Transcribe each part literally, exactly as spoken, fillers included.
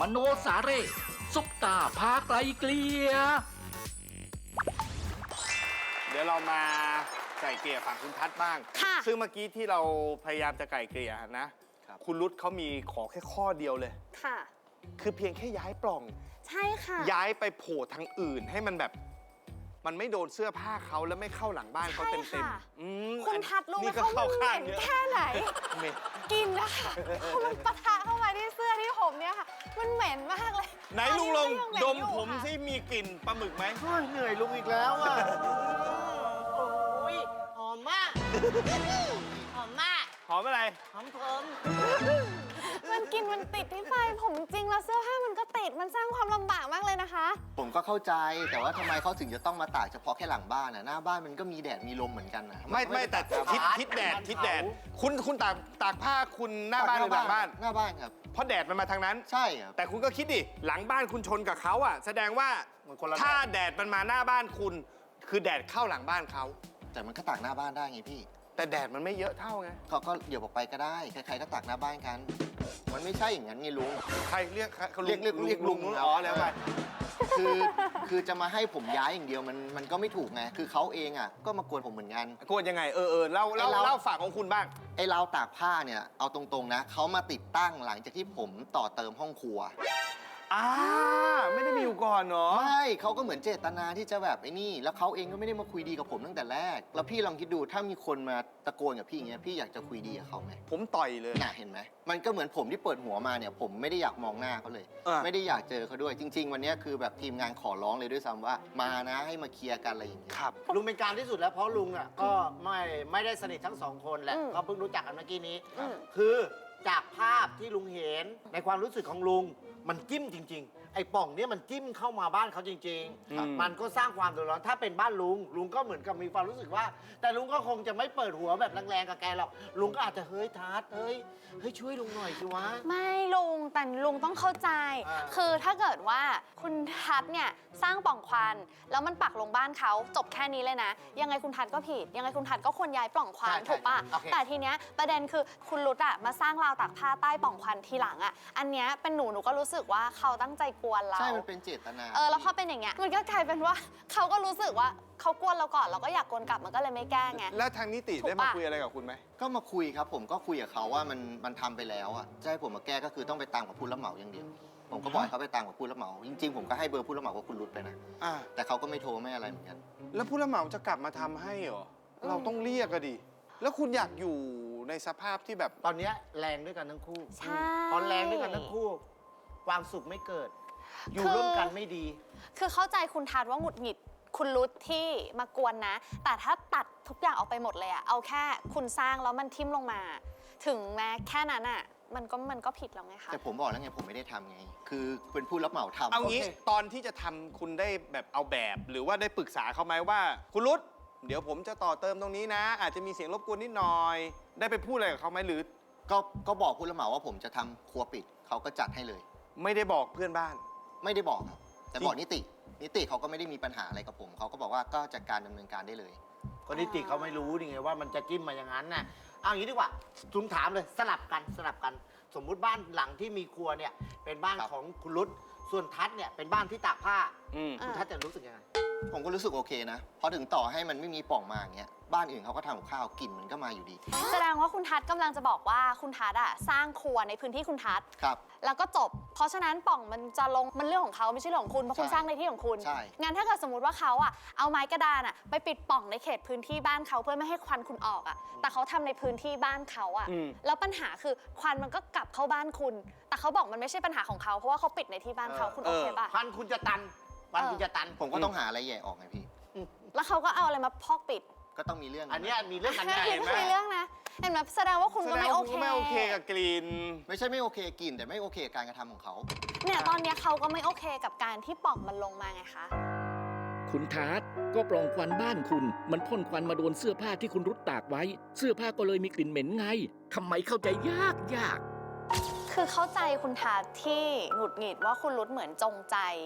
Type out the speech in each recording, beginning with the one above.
มโนสาเร่ซุปตาพาไกลเกลียเดี๋ยวเรามาไก่เกลี่ยฝั่งคุณทัศน์บ้างค่ะซึ่งเมื่อกี้ที่เราพยายามจะไก่เกลี่ยนะ คุณรุตเขามีขอแค่ข้อเดียวเลยค่ะคือเพียงแค่ย้ายปล่องใช่ค่ะย้ายไปโผล่ทางอื่นให้มันแบบ มันไม่โดนเสื้อผ้าเขาแล้วไม่เข้าหลังบ้านเขาเต็มใช่ๆค่ะอืมคุณทัดรู้ไหมนี่ก็เขาเข้าเหข้างม็นเยอะแค่ไหนเหม็นกินนะคะเพราะมันปะทะเข้ามาที่เสื้อที่ผมเนี่ยค่ะ มันเหม็นมากเลยไหนลุงลงตอนนี้ดก็มยังเหนอยู่ผมค่ะที่มีกลิ่นปลาหมึกไหมเหนื่อยลุงอีกแล้วอ่ะ โอ้ยหอมมาก หอมมากหอมอะไรหอมผมมันกินมันติดที่ไฟผมจริงแล้วเสื้อผ้ามันก็ติดมันสร้างความลำบากมากเลยนะคะผมก็เข้าใจแต่ว่าทำไมเขาถึงจะต้องมาตากเฉพาะแค่หลังบ้านอ่ะหน้าบ้านมันก็มีแดดมีลมเหมือนกันนะไม่ไม่แต่ทิศทิศแดดทิศแดด คุณคุณตากตากผ้าคุณหน้าบ้านหรือหลังบ้านหน้าบ้านครับเพราะแดดมันมาทางนั้นใช่ครับแต่คุณก็คิดดิ หลังบ้านคุณชนกับเขาอ่ะ แสดงว่ามันคนละถ้าแดดมันมาหน้าบ้านคุณ คือแดดเข้าหลังบ้านเขาแต่มันก็ตากหน้าบ้านได้ไงพี่แต่แดดมันไม่เยอะเท่าไงเขาก็เดี๋ยวออกไปก็ได้ใครๆก็ตากหน้าบ้านกัน มันไม่ใช่อย่างนั้นไงลุงใครเรียกใครเขาเรียกเรียกเรียกลุงอ๋อแล้วไปคือคือจะมาให้ผมย้ายอย่างเดียวมันมันก็ไม่ถูกไงคือเขาเองอ่ะก็มากวนผมเหมือนกันกวนยังไง เออเออเล่าเล่าไอ้เราเล่าฝากของคุณบ้างไอ้ราวตากผ้าเนี่ยเอาตรงๆนะเขามาติดตั้งหลังจากที่ผมต่อเติมห้องครัวอ่า ไม่ได้มีอยู่ก่อนเนาะไม่เขาก็เหมือนเจตนาที่จะแบบไอ้นี่ แล้วเขาเองก็ไม่ได้มาคุยดีกับผมตั้งแต่แรก แล้วพี่ลองคิดดูถ้ามีคนมาตะโกนกับพี่อย่างเงี้ยพี่อยากจะคุยดีกับเขาไหมผมต่อยเลยน่ะเห็นไหมมันก็เหมือนผมที่เปิดหัวมาเนี่ยผมไม่ได้อยากมองหน้าเขาเลยอ่ะไม่ได้อยากเจอเขาด้วยจริง ๆ วันเนี้ยคือแบบทีมงานขอร้องเลยด้วยซ้ำว่ามานะให้มาเคลียร์กันอะไรอย่างเงี้ยครับลุงเป็นกลารที่สุดแล้วเพราะลุงอ่ะก็ไม่ไม่ได้สนิททั้งสองคนแหละอืมก็เพิ่งรู้จักกันเมื่อกี้นี้อืมคือจากภาพที่ลุงเห็นในความรู้สึกของลุง มันจิ้มจริง ๆ ไอ้ป่องเนี่ยมันจิ้มเข้ามาบ้านเขาจริงอืมๆ มันก็สร้างความเดือดร้อนถ้าเป็นบ้านลุง ลุงก็เหมือนกับมีความรู้สึกว่า แต่ลุงก็คงจะไม่เปิดหัวแบบแรงๆกับแกหรอกลุงก็อาจจะเฮ้ยทัดเฮ้ยเฮ้ยช่วยลุงหน่อยสิวะไม่ลุงแต่ลุงต้องเข้าใจอ่าคือถ้าเกิดว่าคุณทัศน์เนี่ยสร้างปล่องควันแล้วมันปักลงบ้านเขาจบแค่นี้เลยนะ ยังไงคุณทัศน์ก็ผิด ยังไงคุณทัศน์ก็ควรย้ายปล่องควันถูกปะแต่ทีเนี้ยประเด็นคือคุณรุตอะมาสร้างราวตากผ้าใต้ปล่องควันทีหลังอะอันเนี้ยเป็นหนูหนูก็รู้สึกว่าเขาตั้งใจกวนเราใช่มันเป็นเจตนาเออแล้วพอเป็นอย่างเงี้ยมันก็กลายเป็นว่าเขาก็รู้สึกว่าเขากวนเราก่อนเราก็อยากกวนกลับมันก็เลยไม่แก้ไงแล้วทางนิติถูกได้ปะมาคุยอะไรกับคุณไหมก็มาคุยครับผมก็คุยกับเขาว่ามันมันทำไปแล้วอ่ะจะให้ผมมาแก้ก็คือต้องไปตามกับผู้รับเหมาอย่างเดียวผมก็บอกให้เขาไปตามกับผู้รับเหมาจริงๆผมก็ให้เบอร์ผู้รับเหมากับคุณรุตไปนะอ่าแต่เขาก็ไม่โทรไม่อะไรเหมือนกันแล้วผู้รับเหมาจะกลับมาทำให้เหรอ เราต้องเรียกอะดิ แล้วคุณอยากอยู่ในสภาพที่แบบตอนเนี้ยแรงด้วยกันทั้งคู่ใช่พอแรงด้วยกันทั้งคู่ ความสุขไม่เกิด อยู่คือร่วมกันไม่ดีคือเข้าใจคุณทัศน์ว่าหงุดหงิดคุณรุตที่มากวนนะ แต่ถ้าตัดทุกอย่างออกไปหมดเลยอะเอาแค่คุณสร้างแล้วมันทิ่มลงมา ถึงแม้แค่นั้นอะมันก็มันก็ผิดแล้วไงคะแต่ผมบอกแล้วไงผมไม่ได้ทำไง คือเป็นผู้รับเหมาทำเอางี้โคตอนที่จะทำคุณได้แบบเอาแบบ หรือว่าได้ปรึกษาเขาไหมว่า คุณรุตเดี๋ยวผมจะต่อเติมตรงนี้นะ อาจจะมีเสียงรบกวนนิดหน่อย ได้ไปพูดอะไรกับเขาไหมหรือก็ก็บอกผู้รับเหมาว่าผมจะทำครัวปิดเขาก็จัดให้เลยไม่ได้บอกเพื่อนบ้านไม่ได้บอกครับ แต่บอกนิติ นิติเขาก็ไม่ได้มีปัญหาอะไรกับผมเขาก็บอกว่าก็จัดการดำเนินการได้เลยคนนิติเขาไม่รู้นี่ไงว่ามันจะจิ้มมาอย่างนั้นน่ะเอาอย่างนี้ดีกว่าทุงถามเลยสลับกันสลับกัน สมมุติบ้านหลังที่มีครัวเนี่ยเป็นบ้านครับของคุณรุตส่วนทัศน์เนี่ยเป็นบ้านที่ตากผ้าอืมคุณทัศน์จะรู้สึกยังไงผมก็รู้สึกโอเคนะเพราะถึงต่อให้มันไม่มีปล่องมาอย่างเงี้ยบ้านอื่นเขาก็ทำกับข้าวกลิ่นมันก็มาอยู่ดีแสดงว่าคุณทัศน์กำลังจะบอกว่าคุณทัศน์อะสร้างครัวในพื้นที่คุณทัศน์ครับแล้วก็จบ เพราะฉะนั้นปล่องมันจะลงมันเรื่องของเขาไม่ใช่เรื่องของคุณเพราะคุณใช่สร้างในที่ของคุณใช่งั้นถ้าเกิดสมมติว่าเขาอะเอาไม้กระดานอะไปปิดปล่องในเขตพื้นที่บ้านเขาเพื่อไม่ให้ควันคุณออกอะแต่เขาทำในพื้นที่บ้านเขาอะอืมแล้วปัญหาคือควันมันก็กลับเข้าบ้านคุณ แต่เขาบอกมันไม่ใช่ปัญหาของเขาเพราะว่าเขาปิดในที่บ้านเขาเออคุณโอเคปะควันคุณจะตันควันคุณจะตันผมก็ต้องหาอะไรแย่ออกไงพี่แล้วเขาก็เอาอะไรมาพอกปิดก็ต้องมีเรื่องอันเนี้ยมีเรื่องกันแค่แน่คิดว่ามีเรื่องนะเห็นไหมแสดงว่าคุณแสก็ดงไม่โอว่าเคคุณไม่โอเคกับกลิ่นไม่ใช่ไม่โอเคกินแต่ไม่โอเคกับการกระทำของเขาเนี่ยตอนเนี้ยเขาก็ไม่โอเคกับการที่ปล่องมันลงมาไงคะคุณทัศน์ก็ปล่องควันบ้านคุณ มันพ่นควันมาโดนเสื้อผ้าที่คุณรุดตากไว้ เสื้อผ้าก็เลยมีกลิ่นเหม็นไงทำไมเข้าใจยากยากคือเข้าใจคุณทัศน์ที่หงุดหงิดว่าคุณรุตเหมือนจงใจ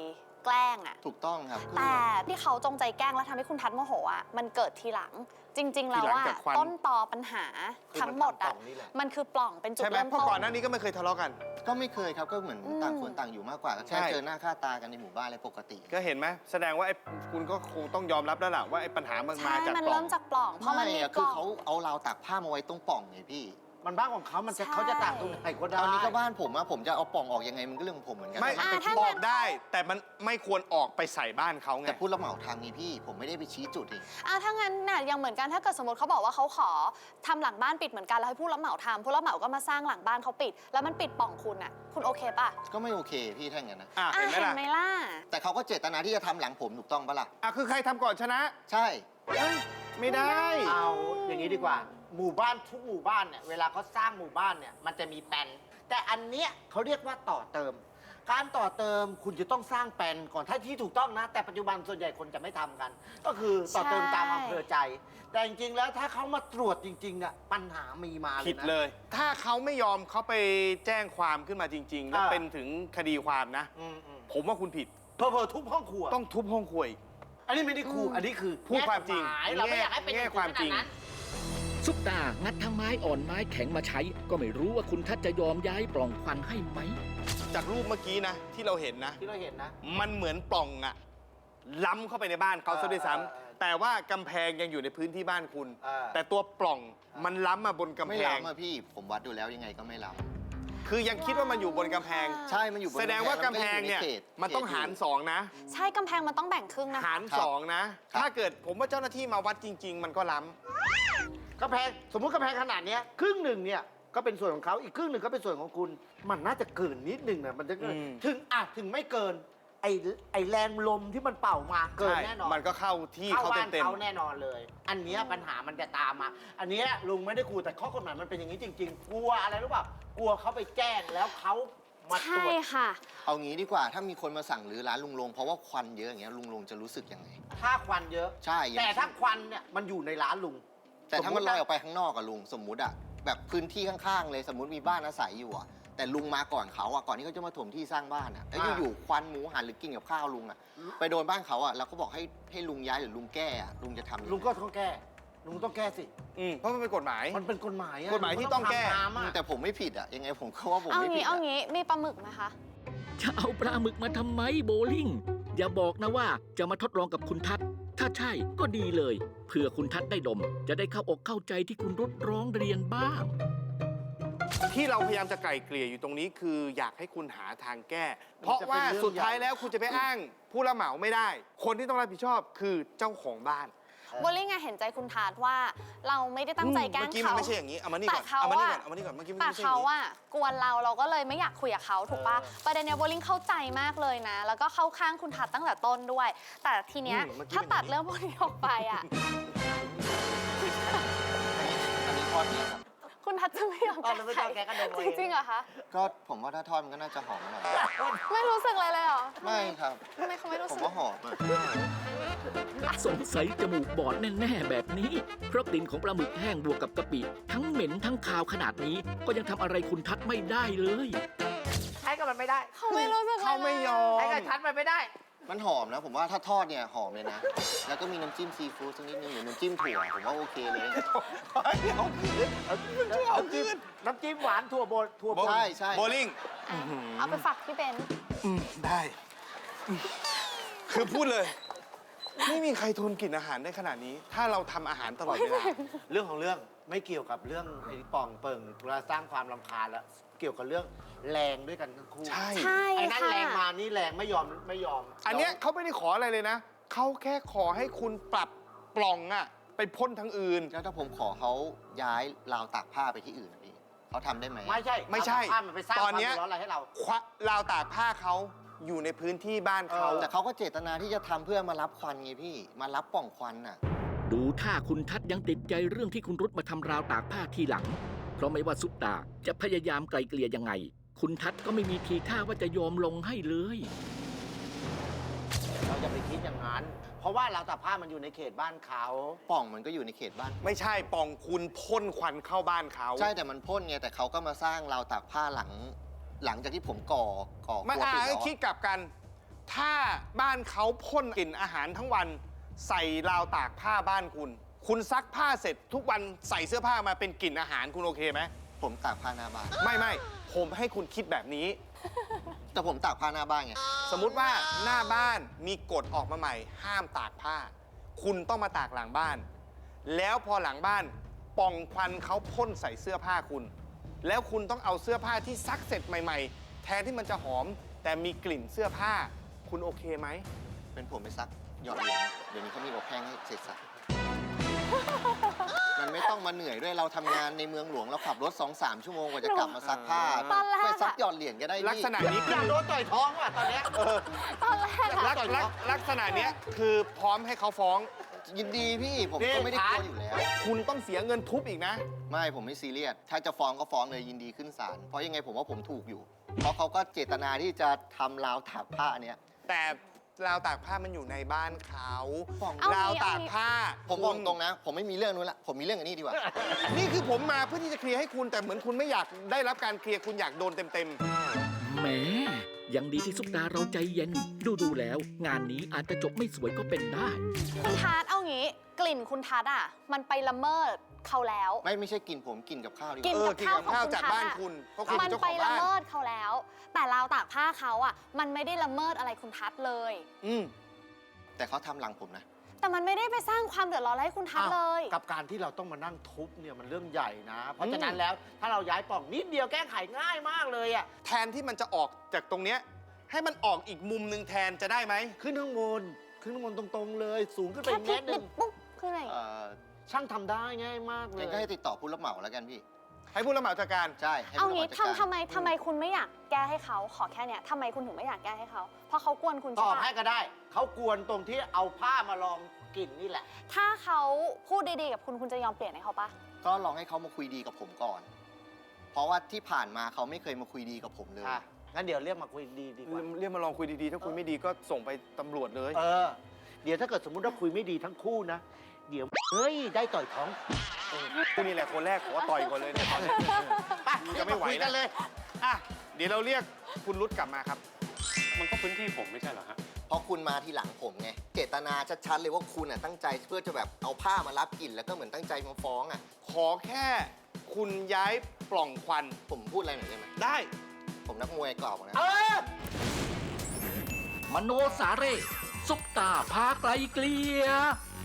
แกล้งอะถูกต้องครับแต่ที่เขาจงใจแกล้งแล้วทำให้คุณทัศน์โมโหอะมันเกิดทีหลัง จริง ๆ แล้วทีหลังอะจากควันต้นตอปัญหาคือทั้งหมดอะมันทำปล่องนี่แหละมันคือปล่องเป็นจุดใช่ไหมเริ่มเพราะต้ก่อนนหน้านี้ก็ไม่เคยทะเลาะกันก็ไม่เคยครับก็เหมือนอืมต่างคนต่างอยู่มากกว่าก็ใช่แค่เจอหน้าค่าตากันในหมู่บ้านอะไรปกติก็เห็นไหมแสดงว่าไอ้คุณก็คงต้องยอมรับแล้วล่ะว่าไอ้ปัญหามันมาใช่จากมันปล่อเริ่งมจากปล่อง เพราะมันไม่มีอะปคือล่องเขาเอาราวตากผ้ามาไว้ตรงปล่องไงพี่มันบ้านของเขามันจะใช่เขาจะตากตรงไหนก็ได้ตอนนี้ก็บ้านผมอะผมจะเอาปล่องออกยังไงมันก็เรื่องของผมเหมือนกันไม่อ่าแต่ถ้าองั้อน กได้ แต่มันไม่ควรออกไปใส่บ้านเขาไงแต่พูดรับเหมาทางนี้พี่ ผมไม่ได้ไปชี้จุดเองอ่ะถ้างั้นน่ะยังเหมือนกันถ้าเกิดสมมติเขาบอกว่าเขาขอทำหลังบ้านปิดเหมือนกันแล้วให้ผู้รับเหมาทำผู้รับเหมาก็มาสร้างหลังบ้านเขาปิด แล้วมันปิดปล่องคุณอ่ะคุณโอเคป่ะก็ไม่โอเคพี่ถ้าอย่างนั้นนะอ่ะอ่ะเห็นไหมเห็นล่ะไหมล่ะแต่เขาก็เจตนาที่จะทำหลังผมถูกต้องปะล่ะอ่ะคือใครทำก่อนชนะใช่ไม่ได้เอาอย่างนี้ดีกว่า หมู่บ้านทุกหมู่บ้านเนี่ยเวลาเขาสร้างหมู่บ้านเนี่ยมันจะมีแปลนแต่อันเนี้ยเขาเรียกว่าต่อเติม การต่อเติมคุณจะต้องสร้างแปลนก่อนถ้าที่ถูกต้องนะ แต่ปัจจุบันส่วนใหญ่คนจะไม่ทำกัน ก็คือต่อเติมตามอำเภอใจ แต่จริงๆแล้วถ้าเขามาตรวจจริงๆเนี่ยปัญหามีมาเลยนะผิดเลย ถ้าเขาไม่ยอมเขาไปแจ้งความขึ้นมาจริง ๆ แล้วอ่าเป็นถึงคดีความนะอืมอืมผมว่าคุณผิดเพอเพอทุบห้องครัวต้องทุบห้องครัวอีกอันนี้ไม่ได้ครูอันนี้คือพูดความจริงแก้กฎหมายเราไม่อยากให้เป็นแง่อย่งความจริงขนาดนั้นซุปตางัดทั้งไม้อ่อนไม้แข็งมาใช้ ก็ไม่รู้ว่าคุณทัศน์จะยอมย้ายปล่องควันให้ไหมจากรูปเมื่อกี้นะ ที่เราเห็นนะที่เราเห็นนะมันเหมือนปล่องอะล้ำเข้าไปในบ้านเขาซะด้วยซ้เออเออเออำแต่ว่ากำแพงยังอยู่ในพื้นที่บ้านคุณเออแต่ตัวปล่องมันล้ำมาบนกำไม่แพงล้ำอะพี่ ผมวัดดูแล้วยังไงก็ไม่ล้คือยังคิดว่ามันอยู่บนกำแพงำใช่ มันอยู่บนแสดงว่ากำแพงเนี่ยล้วก็อใขตมันต้องหารสองนะใช่กำแพงมันต้องแบ่งครึ่งนะคะหารสองนะ ถ้าเกิดผมว่าเจ้าหน้าที่มาวัดจริง ๆ มันก็ล้ำกำแพงสมมุติกำแพงขนาดเนี้ยครึ่งหนึ่งเนี่ยก็เป็นส่วนของเขาอีกครึ่งหนึ่งก็เป็นส่วนของคุณ มันน่าจะเกินนิดหนึ่งนะมันจะเกินอืมถึงอ่ะถึงไม่เกินไอไอแรงลมที่มันเป่ามาเกินใช่แน่นอนมันก็เข้าที่เข้าเขาบ้านเต็มเขาแน่นอนเลย อันเนี้ยปัญหามันจะตามมา อันเนี้ยลุงไม่ได้กลัวแต่ข้อกฎหมายมันเป็นอย่างนี้จริง ๆ กลัวอะไรรู้เปล่ากลัวเขาไปแจ้งแล้วเขามาตรใช่วจค่ะเอางี้ดีกว่า ถ้ามีคนมาสั่งรื้อร้านลุงลง เพราะว่าควันเยอะอย่างเงี้ยลุงลงจะรู้สึกยังไงถ้าควันเยอะใช่อย่งแต่ถ้าควันเนี่ยมันอยู่ในร้านลุงแต่ถ้ามันลอยออกไปไปข้างนอกอะลุง สมมุติอะแบบพื้นที่ข้างๆเลย สมมุติมีบ้านอาศัยอยู่อะแต่ลุงมาก่อนเขาอะก่อนที่เขาจะมาถมที่สร้างบ้านอะแล้วอยู่ๆควันหมูหันหรือกินกับข้าวลุงอะไปโดนบ้านเขาอะแล้วก็บอกให้ให้ลุงย้ายหรือลุงแก้อะลุงจะทำยังไงลุงก็ต้องแก้ ลุงต้องแก้สิๆอืมเพราะมันเป็นกฎหมายมันเป็นกฎหมายอะกฎหมายที่ต้องแก้ลุทำตามอะแต่ผมไม่ผิดอะยังไงผมก็ว่าผมเอาไม่ผิงี้ดเอาอะงี้มีปลาหมึกไหมคะจะเอาปลาหมึกมาทำไมโบลิ่ง อย่าบอกนะว่าจะมาทดลองกับคุณทัศน์ ถ้าใช่ก็ดีเลยเพื่อคุณทัศน์ได้ดม จะได้เข้าอกเข้าใจที่คุณรุดร้องเรียนบ้างที่เราพยายามจะไกล่เกลี่ยอยู่ตรงนี้คืออยากให้คุณหาทางแก้ เพราะว่าสุดท้ายแล้วคุณจะไปอ้างผู้รับเหมาไม่ได้ คนที่ต้องรับผิดชอบคือเจ้าของบ้านโบลิ่งอะเห็นใจคุณทัศน์ว่าเราไม่ได้ตั้งใจแกล้งเมื่อกี้มัเขานไม่ใช่อย่างนี้ เอามานี่ก่อนแต่เขาเอามานี่อะก่อน เอามานี่ก่อน เมื่อกี้มันแต่ไม่ใช่อย่าเขางนี้อะกวนเราเราก็เลยไม่อยากคุยกับเขาถูกปะประเด็นเนี้ยโบลิ่งเข้าใจมากเลยนะ แล้วก็เข้าข้างคุณทัศน์ตั้งแต่ต้นด้วย แต่ทีเนี้ยอืมเมื่อกี้ถ้าเป็นอย่างนี้ตัดเรื่องพวกนี้ออกไปอะอันนี้ทอดเนี่ยครับคุณทัศน์จะไม่ยอมอ๋อแล้วไม่ต้องแก้ก็ดมเอาจเองริงๆเหรอคะก็ผมว่าถ้าทอดมันก็น่าจะหอมหน่อยไม่รู้สึกอะไรเลยเหรอไม่ครับทำไมเขาไม่รู้ผมสึกว่าหอมอะสงสัยจมูกบอดแน่ๆแบบนี้ เพราะกลิ่นของปลาหมึกแห้งบวกกับกะปิ ทั้งเหม็นทั้งคาวขนาดนี้ ก็ยังทำอะไรคุณทัศน์ไม่ได้เลยใช้กับมันไม่ได้เขาไม่รู้สึกอะไรเขาไม่ยอมใช้กับชัดมันไม่ได้มันหอมนะ ผมว่าถ้าทอดเนี่ยหอมเลยนะ แล้วก็มีน้ำจิ้มซีฟู้ดสักนิดนึงหรือน้ำจิ้มถั่วผมว่าโอเคเลยน้ำจิ้มน้ำจิ้มหวานถั่วโบนถั่วโบนใช่ใช่โบลิ่งอ่ะเอาไปฝากพี่เบนซ์อืมได้อืมคือพูดเลย ไม่มีใครทนกลิ่นอาหารได้ขนาดนี้ ถ้าเราทำอาหารตลอดเวลาเรื่องของเรื่องไม่เกี่ยวกับเรื่องไอ้ป่องเปิงเวลาสร้างความรำคาญแล้ว เกี่ยวกับเรื่องแรงด้วยกันทั้งคู่ใช่ใช่ไอ้นั่นค่ะแรงมานี่แรงไม่ยอมไม่ยอมอันเนี้ยเขาไม่ได้ขออะไรเลยนะ เขาแค่ขอให้คุณปรับปล่องอะไปพ่นทั้งอื่นแล้วถ้าผมขอเขาย้ายราวตากผ้าไปที่อื่นนะพี่เขาทำได้ไหมไม่ใช่ไม่ใช่เอาผ้ามันไปสร้างคตวาอนมเนี้เดืยอดร้อนอะไรให้เราควักราวตากผ้าเขาอยู่ในพื้นที่บ้านเขาเออแต่เขาก็เจตนาที่จะทำเพื่อมารับควันไงพี่ มารับปล่องควันน่ะดูท่าคุณทัศน์ยังติดใจเรื่องที่คุณรุดมาทำราวตากผ้าทีหลัง เพราะไม่ว่าซุปตาจะพยายามไกลเกลี่ยยังไง คุณทัศน์ก็ไม่มีทีท่าว่าจะยอมลงให้เลยเราจะไปคิดอย่างนั้น เพราะว่าเราแต่ผ้ามันอยู่ในเขตบ้านเขาปล่องมันก็อยู่ในเขตบ้านไม่ใช่ปล่องคุณพ่นควันเข้าบ้านเขาใช่แต่มันพ่นไงแต่เขาก็มาสร้างราวตากผ้าหลัง หลังจากที่ผมก่อก่อไม่ครัวอ่าปิดแล้วคิดอะกลับกันถ้าบ้านเขาพ่นกลิ่นอาหารทั้งวันใส่ราวตากผ้าบ้านคุณ คุณซักผ้าเสร็จทุกวันใส่เสื้อผ้ามาเป็นกลิ่นอาหารคุณโอเคไหมผมตากผ้าหน้าบ้านไม่ไม่ผมให้คุณคิดแบบนี้แต่ผมตากผ้าหน้าบ้านไงสมมุติว่าหน้าบ้านมีกฎออกมาใหม่ ห้ามตากผ้า คุณต้องมาตากหลังบ้าน แล้วพอหลังบ้านป่องควันเขาพ่นใส่เสื้อผ้าคุณ แล้วคุณต้องเอาเสื้อผ้าที่ซักเสร็จใหม่ๆ แทนที่มันจะหอม แต่มีกลิ่นเสื้อผ้า คุณโอเคไหมเป็นผมไปซักหยอดเหรียญเดี๋ยวนี้เขามีอบแห้งให้เสร็จสับ มันไม่ต้องมาเหนื่อยด้วยเราทำงานในเมืองหลวงเราขับรถ สองสาม ชั่วโมงกว่าจะกลับมาซักผ้าตอนแรกอะไปซักหยอดเหรียญก็ได้ลักษณะนี้อคืยากอโดนต่อยท้องว่ะตอนเนี้ยตอนแรกลัอะกลักลักษณะเนี้ยคือพร้อมให้เขาฟ้องยินดีพี่ผมนี่ก็ไม่ได้กลัวฐานอยู่แล้วคุณต้องเสียเงินทุบอีกนะไม่ผมไม่ซีเรียส ถ้าจะฟ้องก็ฟ้องเลยยินดีขึ้นศาล เพราะยังไงผมว่าผมถูกอยู่ เพราะเขาก็เจตนาที่จะทำราวตากผ้าเนี้ยแต่ราวตากผ้ามันอยู่ในบ้านเขาฟ้องเอาราวงี้ตากผ้าผมบอกคุณตรงนะ ผมไม่มีเรื่องนู้นละ ผมมีเรื่องอันนี้ดีกว่านี่คือผมมาเพื่อที่จะเคลียร์ให้คุณ แต่เหมือนคุณไม่อยากได้รับการเคลียร์คุณอยากโดนเต็มแหมยังดีที่ซุปตาเราใจเย็น ดูดูๆแล้ว งานนี้อาจจะจบไม่สวยก็เป็นได้คุณทัศน์เอางี้ กลิ่นคุณทัศน์อ่ะ มันไปละเมิดเขาแล้วไม่ไม่ใช่กินผมกินกับข้าวดีกกิๆนเออ กินกับข้าวกับจากข้าวของคุณบ้านทัศน์อะคุณ เพราะคุณมัเป็นเจ้าไปของละบ้านเมิดเขาแล้ว แต่ราวตากผ้าเขาอ่ะ มันไม่ได้ละเมิดอะไรคุณทัศน์เลยอืมแต่เขาทำหลังผมนะแต่มันไม่ได้ไปสร้างความเดือดร้อนให้คุณทัศน์เลยกับการที่เราต้องมานั่งทุบเนี่ยมันเรื่องใหญ่นะ เพราะฉะนั้นแล้วถ้าเราย้ายปล่องนิดเดียวแก้ไขง่ายมากเลยอ่ะแทนที่มันจะออกจากตรงเนี้ยให้มันออกอีกมุมหนึ่งแทนจะได้ไหมขึ้นข้างบนขึ้นข้างบนตรงๆเลย สูงขึ้นไปแค่อีกพลิเมกตรหนินึ่ดงปุ๊บคืออะไรเอ่อช่างทำได้ง่ายมากเลยงั้นก็ให้ติดต่อผู้รับเหมาแล้วกันพี่ให้ผู้รับเหมาจัดการใช่ ให้เอาผู้รับเหงี้มาจัดการทำทำไมทำไมคุณไม่อยากแก้ให้เขาขอแค่เนี้ยทำไมคุณถึงไม่อยากแก้ให้เขา เพราะเขากวนคุณตใช่อบปะให้ก็ได้ เขากวนตรงที่เอาผ้ามาลองกลิ่นนี่แหละถ้าเขาพูดดีๆกับคุณคุณจะยอมเปลี่ยนให้เขาปะก็ลองให้เขามาคุยดีกับผมก่อน เพราะว่าที่ผ่านมาเขาไม่เคยมาคุยดีกับผมเลยค่ะ งั้นเดี๋ยวเรียกมาคุยดีดีกว่าเรียกมาลองคุยดีๆ ถ้าคุยไม่ดีก็ส่งไปตำรวจเลยเออ เดี๋ยวถ้าเกิดสมมุติว่าคุยไม่ดีทั้งคู่นะ เดี๋ยวเฮ้ยได้ต่อยท้องคุณนี่แหละคนแรกขอต่อยก่อนเลยเนี่ยตอนนี้ไปจะไม่ไหวคุยกันเลยอ่ะเดี๋ยวเราเรียกคุณรุดกลับมาครับมันก็พื้นที่ผมไม่ใช่เหรอฮะเพราะคุณมาทีหลังผมไง เจตนาชัดๆเลยว่าคุณอ่ะตั้งใจเพื่อจะแบบเอาผ้ามารับกลิ่นแล้วก็เหมือนตั้งใจมาฟ้องอ่ะขอแค่คุณย้ายปล่องควันผมพูดอะไรหน่อยได้ไหมได้ผมนักมวยเก่านะเออมโนสาเร่ซุปตาพาไกลเกลีย